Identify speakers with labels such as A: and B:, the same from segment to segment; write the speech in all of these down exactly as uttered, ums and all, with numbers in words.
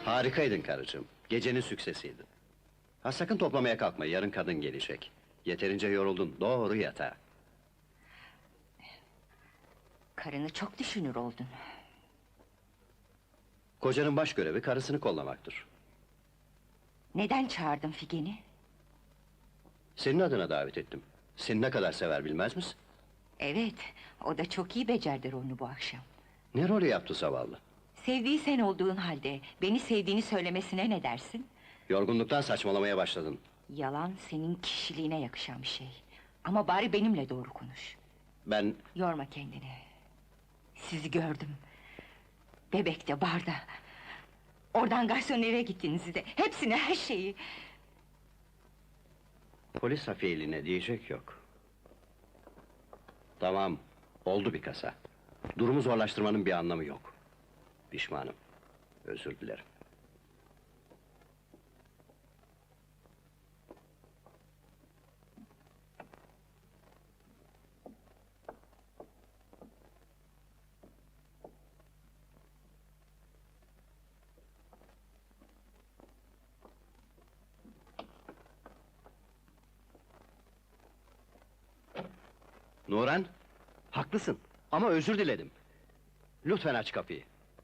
A: Harikaydın karıcığım, gecenin süksesiydin. Ha sakın toplamaya kalkma, yarın kadın gelecek. Yeterince yoruldun, doğru yatağa.
B: Karını çok düşünür oldun.
A: Kocanın baş görevi karısını kollamaktır.
B: Neden çağırdın Figen'i?
A: Senin adına davet ettim. Seni ne kadar sever bilmez misin?
B: Evet, o da çok iyi becerdi rolünü bu akşam.
A: Ne rolü yaptı zavallı?
B: Sevdiği sen olduğun halde, beni sevdiğini söylemesine ne dersin?
A: Yorgunluktan saçmalamaya başladın.
B: Yalan senin kişiliğine yakışan bir şey. Ama bari benimle doğru konuş.
A: Ben...
B: Yorma kendini. Sizi gördüm. Bebekte, barda. Oradan garsonere gittiniz de, hepsini, her şeyi.
A: Polis hafiyeliğine diyecek yok. Tamam, oldu bir kasa. Durumu zorlaştırmanın bir anlamı yok. Pişmanım, özür dilerim. Nuran, haklısın ama özür diledim. Lütfen aç kapıyı.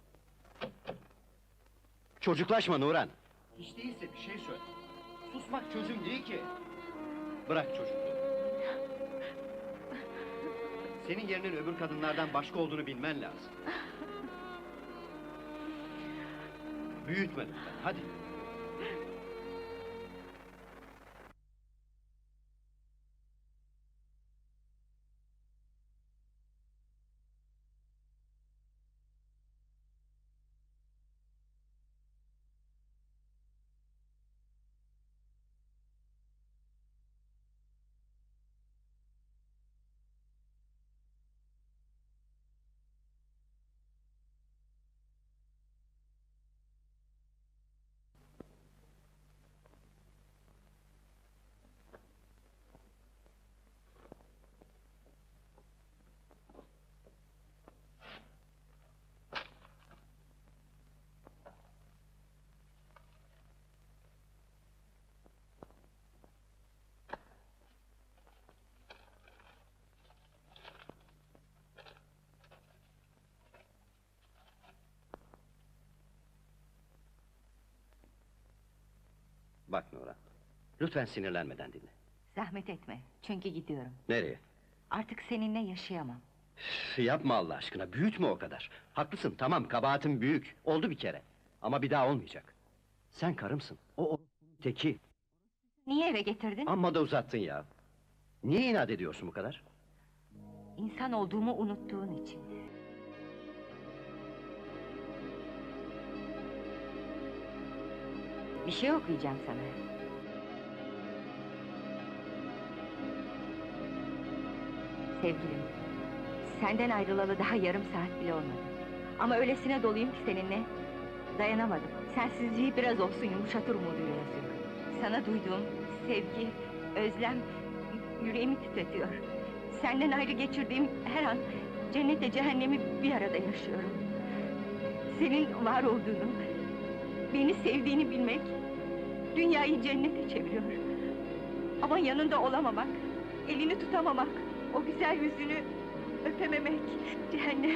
A: Çocuklaşma Nuran. Hiç değilse bir şey söyle. Susmak çözüm değil ki. Bırak çocukluğu. Senin yerinin öbür kadınlardan başka olduğunu bilmen lazım. Büyütme lütfen, hadi. Bak Nuran, lütfen sinirlenmeden dinle.
B: Zahmet etme, çünkü gidiyorum.
A: Nereye?
B: Artık seninle yaşayamam.
A: Üf, yapma Allah aşkına, büyütme o kadar. Haklısın, tamam, kabahatin büyük, oldu bir kere. Ama bir daha olmayacak. Sen karımsın, o o teki.
B: Niye eve getirdin?
A: Amma da uzattın ya. Niye inat ediyorsun bu kadar?
B: İnsan olduğumu unuttuğun için. Bir şey okuyacağım sana. Sevgilim, senden ayrılalı daha yarım saat bile olmadı. Ama öylesine doluyum ki seninle, dayanamadım. Sensizliği biraz olsun yumuşatır umuduyla yazıyorum. Sana duyduğum sevgi, özlem, yüreğimi titretiyor. Senden ayrı geçirdiğim her an, cennetle cehennemi bir arada yaşıyorum. Senin var olduğunu, beni sevdiğini bilmek, dünyayı cennete çeviriyor. Ama yanında olamamak, elini tutamamak, o güzel yüzünü öpememek, cehennem.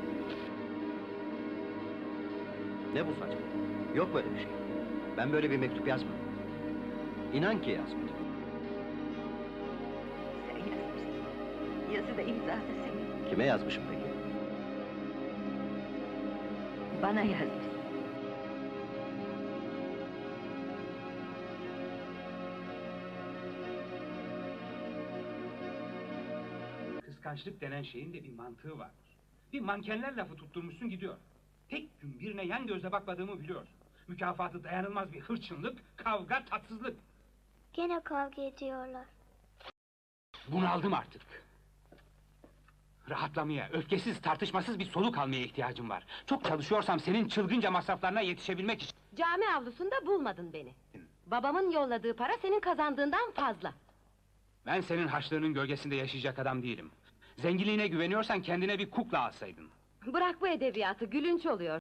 A: Ne bu saçma? Yok böyle bir şey. Ben böyle bir mektup yazmadım. İnan ki yazmadım.
B: Sen yazmışsın. Yazı da imza da senin.
A: Kime yazmışım peki?
B: Bana yazmışsın.
C: Kıskançlık denen şeyin de bir mantığı vardır. Bir mankenler lafı tutturmuşsun gidiyor. Tek gün birine yan gözle bakmadığımı biliyorsun. Mükafatı dayanılmaz bir hırçınlık, kavga, tatsızlık.
D: Gene kavga ediyorlar.
C: Bunaldım artık. Rahatlamaya, öfkesiz, tartışmasız bir soluk almaya ihtiyacım var. Çok çalışıyorsam senin çılgınca masraflarına yetişebilmek için...
E: Cami avlusunda bulmadın beni. Babamın yolladığı para senin kazandığından fazla.
C: Ben senin harçlığının gölgesinde yaşayacak adam değilim. Zenginliğine güveniyorsan kendine bir kukla alsaydın.
E: Bırak bu edebiyatı, gülünç oluyor.